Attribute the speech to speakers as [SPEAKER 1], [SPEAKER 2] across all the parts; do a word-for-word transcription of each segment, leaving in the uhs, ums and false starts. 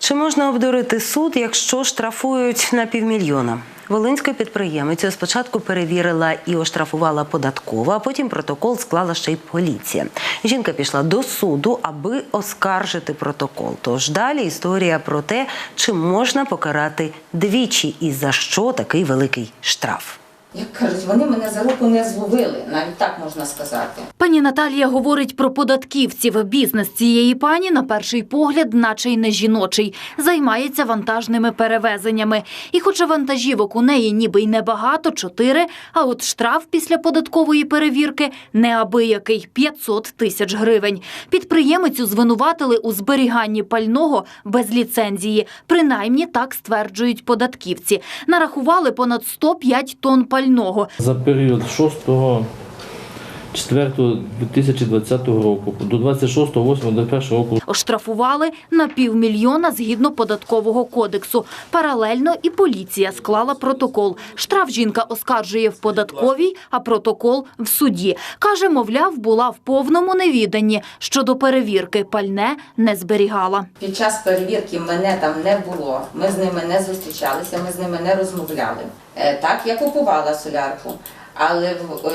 [SPEAKER 1] Чи можна обдурити суд, якщо штрафують на півмільйона? Волинська підприємицю спочатку перевірила і оштрафувала податкова, а потім протокол склала ще й поліція. Жінка пішла до суду, аби оскаржити протокол. Тож далі історія про те, чи можна покарати двічі і за що такий великий штраф.
[SPEAKER 2] Як кажуть, вони мене за руку не зловили, навіть так можна сказати.
[SPEAKER 3] Пані Наталія говорить про податківців. Бізнес цієї пані, на перший погляд, наче й не жіночий. Займається вантажними перевезеннями. І хоча вантажівок у неї ніби й небагато, чотири, а от штраф після податкової перевірки неабиякий – п'ятсот тисяч гривень. Підприємицю звинуватили у зберіганні пального без ліцензії. Принаймні так стверджують податківці. Нарахували понад сто п'ять тонн пального.
[SPEAKER 4] За період шостого четвертого дві тисячі двадцятого року до двадцять шостого восьмого дві тисячі двадцять першого року.
[SPEAKER 3] Оштрафували на півмільйона згідно податкового кодексу. Паралельно і поліція склала протокол. Штраф жінка оскаржує в податковій, а протокол в суді. Каже, мовляв, була в повному невіданні. Щодо перевірки пальне не зберігала.
[SPEAKER 2] Під час перевірки мене там не було, ми з ними не зустрічалися, ми з ними не розмовляли. Так, я купувала солярку. Але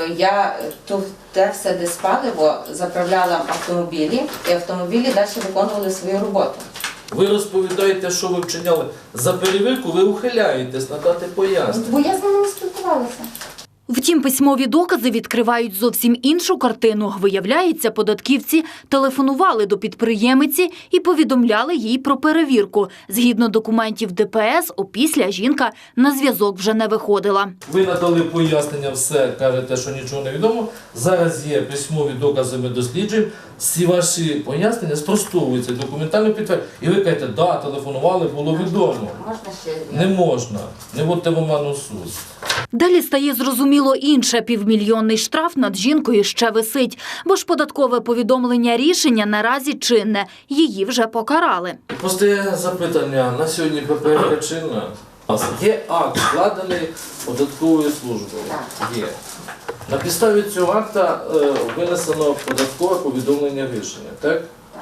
[SPEAKER 2] я тут те все, де спаливо, заправляла автомобілі, і автомобілі далі виконували свою роботу.
[SPEAKER 5] Ви розповідаєте, що ви вчиняли. За перевірку ви ухиляєтесь надати пояснення.
[SPEAKER 2] Бо я з ними не спілкувалася.
[SPEAKER 3] Втім, письмові докази відкривають зовсім іншу картину. Виявляється, податківці телефонували до підприємиці і повідомляли їй про перевірку. Згідно документів Де Пе Ес, опісля жінка на зв'язок вже не виходила.
[SPEAKER 5] Ви надали пояснення, все, кажете, що нічого не відомо. Зараз є письмові докази, ми досліджуємо. Всі ваші пояснення спростовуються документально підтверджують. І ви кажете, да, телефонували, було відомо.
[SPEAKER 2] Можна ще?
[SPEAKER 5] Не можна. Не вводьте в оману суд.
[SPEAKER 3] Далі стає зрозуміло інше. Півмільйонний штраф над жінкою ще висить. Бо ж податкове повідомлення рішення наразі чинне. Її вже покарали.
[SPEAKER 5] Постає запитання, на сьогодні Пе Пе Еф чинна? Є акт, складений податковою службою. Є. На підставі цього акта е, винесено податкове повідомлення рішення, так?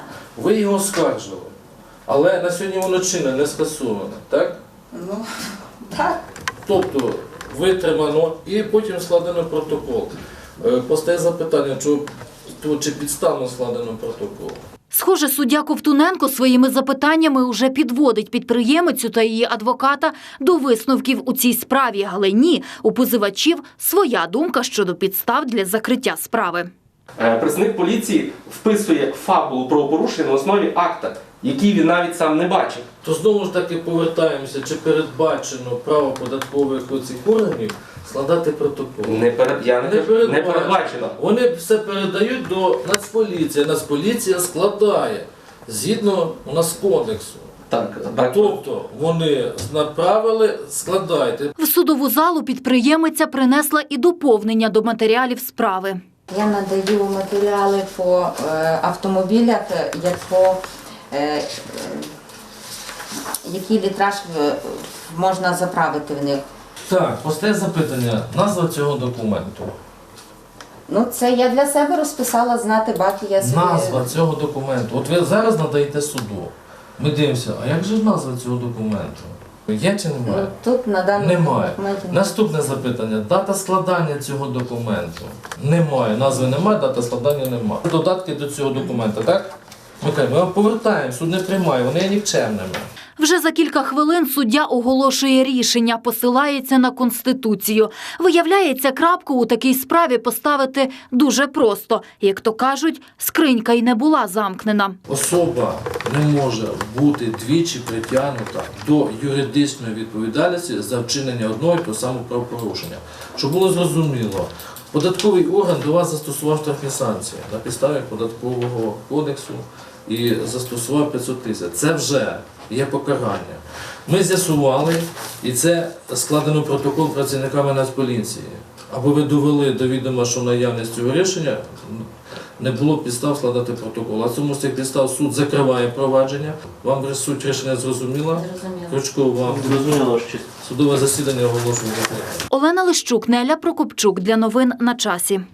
[SPEAKER 5] Ви його оскаржили, але на сьогодні воно чинне, не скасоване, так?
[SPEAKER 2] Ну, так.
[SPEAKER 5] Тобто витримано і потім складено протокол. Е, постає запитання, чи, чи підставно складено протокол.
[SPEAKER 3] Схоже, суддя Ковтуненко своїми запитаннями уже підводить підприємицю та її адвоката до висновків у цій справі. Але ні, у позивачів своя думка щодо підстав для закриття справи.
[SPEAKER 6] Представник поліції вписує фабулу правопорушення на основі акта, який він навіть сам не бачив.
[SPEAKER 5] То знову ж таки повертаємося, чи передбачено право податкових оцих органів складати протокол.
[SPEAKER 6] Не, перед... Я не...
[SPEAKER 5] Не,
[SPEAKER 6] не передбачено.
[SPEAKER 5] Вони все передають до Нацполіції. Нацполіція складає згідно у нас кодексу.
[SPEAKER 6] Так, так.
[SPEAKER 5] Тобто вони направили, складайте.
[SPEAKER 3] В судову залу підприємиця принесла і доповнення до матеріалів справи.
[SPEAKER 2] Я надаю матеріали по е, автомобілях, як по, е, е, який літраж в, можна заправити в них.
[SPEAKER 5] Так, постає запитання, назва цього документу.
[SPEAKER 2] Ну, це я для себе розписала, знати баки я собі.
[SPEAKER 5] Назва цього документу. От ви зараз надаєте суду. Ми дивимося, а як же назва цього документу? Є чи немає?
[SPEAKER 2] Ну, тут на даному
[SPEAKER 5] Немає.
[SPEAKER 2] документі.
[SPEAKER 5] Наступне запитання. Дата складання цього документу. Немає. Назви немає, дата складання немає. Додатки до цього документу, так? Ми кажемо, ми повертаємо, суд не приймає, вони є нікчемними.
[SPEAKER 3] Вже за кілька хвилин суддя оголошує рішення, посилається на Конституцію. Виявляється, крапку у такій справі поставити дуже просто. Як то кажуть, скринька й не була замкнена.
[SPEAKER 5] Особа не може бути двічі притягнута до юридичної відповідальності за вчинення одного і того самого правопорушення. Щоб було зрозуміло, податковий орган до вас застосував штрафні санкції на підставі податкового кодексу і застосував п'ятсот тисяч. Це вже є покарання. Ми з'ясували, і це складено протокол працівниками Нацполіції. Аби ви довели до відома, що наявність цього рішення не було підстав складати протокол. А цьому з цих підстав суд закриває провадження. Вам суть рішення зрозуміла?
[SPEAKER 2] Зрозуміло.
[SPEAKER 5] Крючков, вам
[SPEAKER 4] Зрозуміло, що
[SPEAKER 5] судове засідання оголошує.
[SPEAKER 3] Олена Лищук, Неля Прокопчук. Для новин на часі.